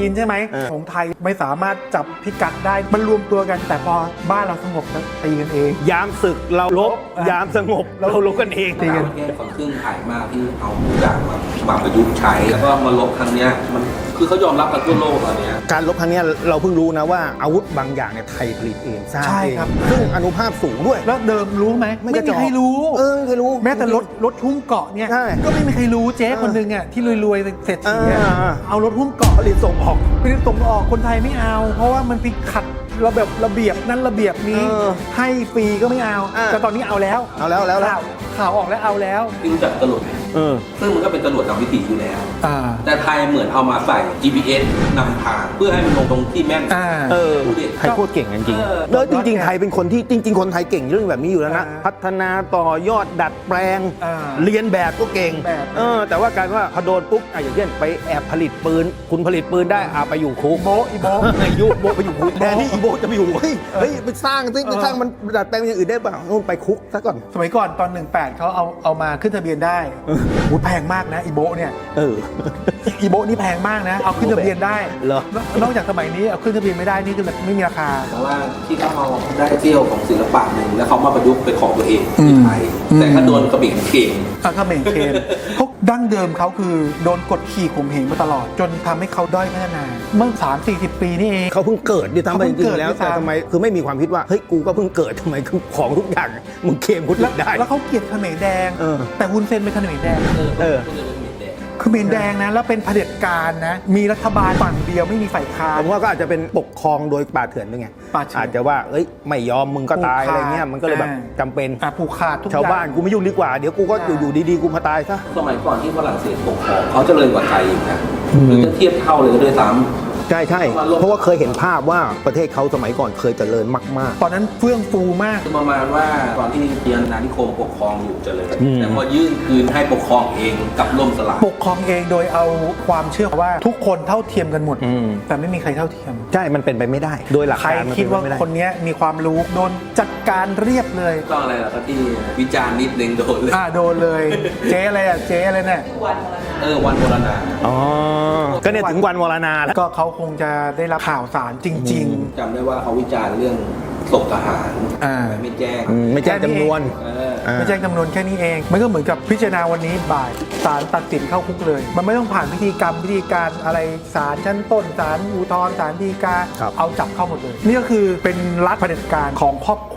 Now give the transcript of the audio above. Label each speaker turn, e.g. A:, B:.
A: นใช่ไหมของไทยไม่สามารถจับพิกัดได้มันรวมตัวกันแต่พอบ้านเราสงบแล้วตีกันเอง
B: ยามศึกเราลบยามสงบเราลบกันเอง
A: ตีกัน
C: ประเทศฝั่งครึ่งไทยมากที่เอาทุกอย่างมาประยุกต์ใช้แล้วก็มาลบครั้งเนี้ยมันคือเขายอมรับกันทั่วโลกตอนเนี้ย
B: การลบครั้งนี้เราเพิ่งรู้นะว่าอาวุธบางอย่างเนี่ยไทยผลิตเองสร้าง
A: ใช่
B: เอง
A: ครับ
B: ซึ่งอนุภาพสูงด้วย
A: แล้วเดิมรู้ไหมไม่มีใครรู้
B: ไม่เคยรู้
A: แม้แต่รถหุ้มเกาะเนี่ย
B: ใช่
A: ก็ไม่มีใครรู้เจ๊คนหนึ่งอ่ะที่รวยๆเศรษฐีอะ เอารถหุ้มเกาะ
B: ผลิตส่งออก
A: ไปส่งออกคนไทยไม่เอา เพราะว่ามันไปขัดระเบียบนั้นระเบียบนี้ให้ฟรีก็ไม่เอาแต่ตอนนี้เอาแล้วข่าวออกแล้วเอาแล้ว
C: ที่รู้จักจรวดไหมซึ่งมันก็เป็นจรวดนำวิถีอยู่แล้ว แต่ไทยเหมือนเอามาใส่ GPS นำทางเพื่อให้มันลงตรงที่แม่น
B: ไทยโคตรเก่งจริงๆแล้วจริงๆไทยเป็นคนที่จริงๆคนไทยเก่งเรื่องแบบนี้อยู่แล้วนะพัฒนาต่อยอดดัดแปลงเรียนแบบก็เก่งแต่ว่าการว่าพอโดนปุ๊บอย่างเช่นไปแอบผลิตปืนคุณผลิตปืนได้ไปอยู่คุก
A: อีโบ
B: ไปอยู่คุกแทนที่อีโบจะไปอยู่เฮ้ยไปสร้างมันดัดแปลงอย่างอื่นได้ป่ะนู่นไปคุกซะก่อน
A: สมัยก่อนตอน18เขาเอามาขึ้นทะเบียนได้แพงมากนะอีโบเนี่ยอีโบนี่แพงมากนะเอาขึ้นทะเบียนได้นอกจากสมัยนี้เอาขึ้นทะเบียนไม่ได้นี่คือแบบไม่มีราคา
C: แต่ว่าที่เขาเอาได้เที่ยวของศิลปะหนึ่งแล้วเขามาประยุกต์เป็นของตัวเองที่ไทยแต่ถ้าโดนกระบี่เก่ง
A: กระเบงเคนเขาดั้งเดิมเขาคือโดนกดขี่ข่มเหงมาตลอดจนทำให้เขาด้อยพัฒนาเมื่อ30-40 ปีนี่เอง
B: เขาเพิ่งเกิดดิทำไปจริงๆแล้วแต่ทำไมคือไม่มีความคิดว่าเฮ้ยกูก็เพิ่งเกิดทำไมคือของทุกอย่างมึงเคลมกูได้
A: แล้วเขาเกลียดเขมรแดงแต่ฮุนเซนเป็นเขมรแดงเขมรแดงนะแล้วเป็นเผด็จการนะมีรัฐบาลฝั่งเดียวไม่มีฝ่ายค้าน
B: ผมว่าก็อาจจะเป็นปกครองโดยป่าเถื่อนด้วยไงอาจจะว่าเอ้ยไม่ยอมมึงก็ตายอะไรเงี้ยมันก็เลยแบบจำเป็น
A: ผูกขาดทุกอย่าง
B: ชาวบ้านกูไม่ยุ่งดีกว่าเดี๋ยวกูก็อยู่ดีๆกูมาตายซะ
C: สมัยก่อนที่ฝรั่งเศสปกครองเขาเจริญกว่าไทยอีกนะหรือจะเทียบเท่าเลยด้วยซ้ำ
B: ใช่เพราะว่าเคยเห็นภาพว่าประเทศเขาสมัยก่อนเคยเจริญมาก
A: ๆตอนนั้นเฟื่องฟูมาก
C: ประมาณว่าตอนที่เยอรมันนิคมปกครองอยู่เจริญแต่พอยื่นคืนให้ปกครองเองกับล่มสลาย
A: ปกครองเองโดยเอาความเชื่อว่าทุกคนเท่าเทียมกันหมดแต่ไม่มีใครเท่าเทียม
B: ใช่มันเป็นไปไม่ได้โดยหลักการ
A: ใครคิดว่าคนนี้มีความรู้โดนจัดการเรียบเลย
C: ต้องอะไรล่ะที่วิจารณ์นิดนึงโดนเลย
A: โดนเลยเจ๊อะไรเจ๊อะไรเนี่ย
C: วันโบราณ
B: ก็เนี่ยถึงวันวรณาแล้ว
A: ก็เขาคงจะได้รับข่าวสารจริง
C: ๆจำได้ว่าเขาวิจารณ์เรื่องศพทหารไม่แจ้ง
B: จำนวน
A: ไม่แจ้งจำนวนแค่นี้เองมันก็เหมือนกับพิจารณาวันนี้บ่ายศาลตัดสินเข้าคุกเลยมันไม่ต้องผ่านพิธีการอะไรศาลชั้นต้นศาลอุทธรณ์ศาลฎีกาเอาจับเข้าหมดเลยนี่ก็คือเป็นรัฐเผด็จการของครอบ